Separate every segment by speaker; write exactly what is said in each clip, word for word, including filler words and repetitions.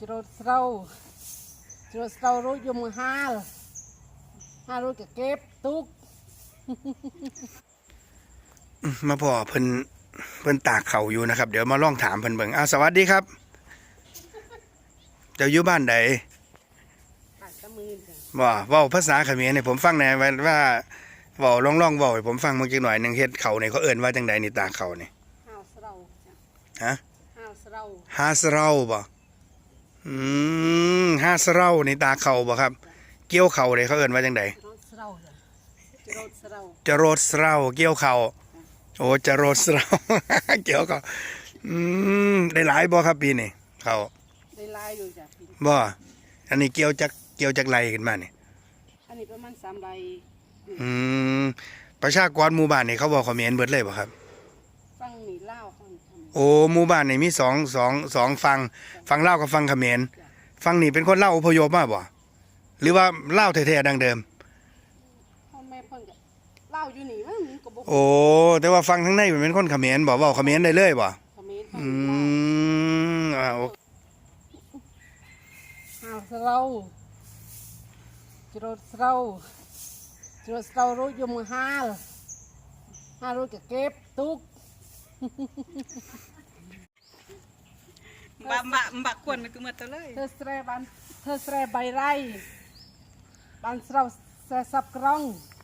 Speaker 1: โรดเศร้าโรดเศร้ารู้ยมฮาลฮารู้จะเก็บตุก
Speaker 2: มาพ่อเพิ่นเพิ่นตากเขาอยู่นะครับเดี๋ยวมาลองถามเพิ่นเบิ่งอ้าวสวัสดีครับเจ้าอยู่บ้านใด
Speaker 1: ปากตะมือจ้ะ
Speaker 2: บ่เว้าภาษาเขมรให้ผมฟังหน่อยว่าเว้าลองๆเว้าให้ผมฟังเมื่อกี้หน่อยหนึงเฮ็ดเขานี่เขาเอิ้นว่าจังไดนี่ตากเขานี่
Speaker 1: ห้าวเศร้าจ้ะ
Speaker 2: ฮะ
Speaker 1: ห้าวเศร้า
Speaker 2: ฮาสเราบ่อืมฮาสเรานี่ตากเขาบ่ครับเกี่ยวเขานี่เขาเอิ้นว่าจังได
Speaker 1: โรดเศร้าจ้ะโรดเศร้า
Speaker 2: จะโรดเราเกี่ยวเขาโอ้จะโรดเรา เกี่ยวเขาอืมได้หลายบ่ครับปีนี้เขา
Speaker 1: ได้ลายอยู่จ้ะพี่
Speaker 2: บ่อันนี้เกี่ยวจากเกี่ยวจากไรขึ้นมานี่
Speaker 1: อันนี้ประมาณสามใบ
Speaker 2: อืมประชากรหมู่บ้านนี่เขาบอกเขมรเบิดเลยบ่ครับ
Speaker 1: ฟังหนีเล่าฟังทำ
Speaker 2: โอ้หมู่บ้านนี่มีสองสองสองฝั่งฝั่งลาวกับฝั่งเขมรฝั่งนี้เป็นคนลาวอพยพมาบ่หรือว่าลาวแท้ๆดังเดิม
Speaker 1: พ่อแม่เพิ่นก็เล่าอยู่นี่ว่ามันก็บ่
Speaker 2: โอ้แต่ว่าฝั่งทางในเป็นคนเขมรบ่เว้าเขมรได้เลยบ่
Speaker 1: เขมรฟัง
Speaker 2: อื
Speaker 1: เล่าม
Speaker 2: อ่าโอ
Speaker 1: ห้าวเศร้าโรดเศร้าโรดเศร้ารู้ยมฮาลฮารู้จะเก็บตุก
Speaker 3: บะบะบะควรมันก็มาตัวเลย
Speaker 1: เธอแสรบันเธอแสรใบไรบันเราแสสับกรอง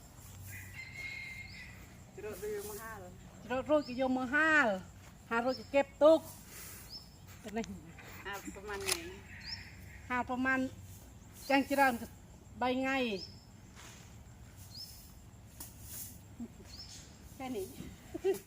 Speaker 1: รถรูมาห้าเลยรถรูกิโยมาห้าหารถจะเก็บตุกเป็นไงหาประมาณไหนหาประมาณจังจิรันใบไงแค่นี้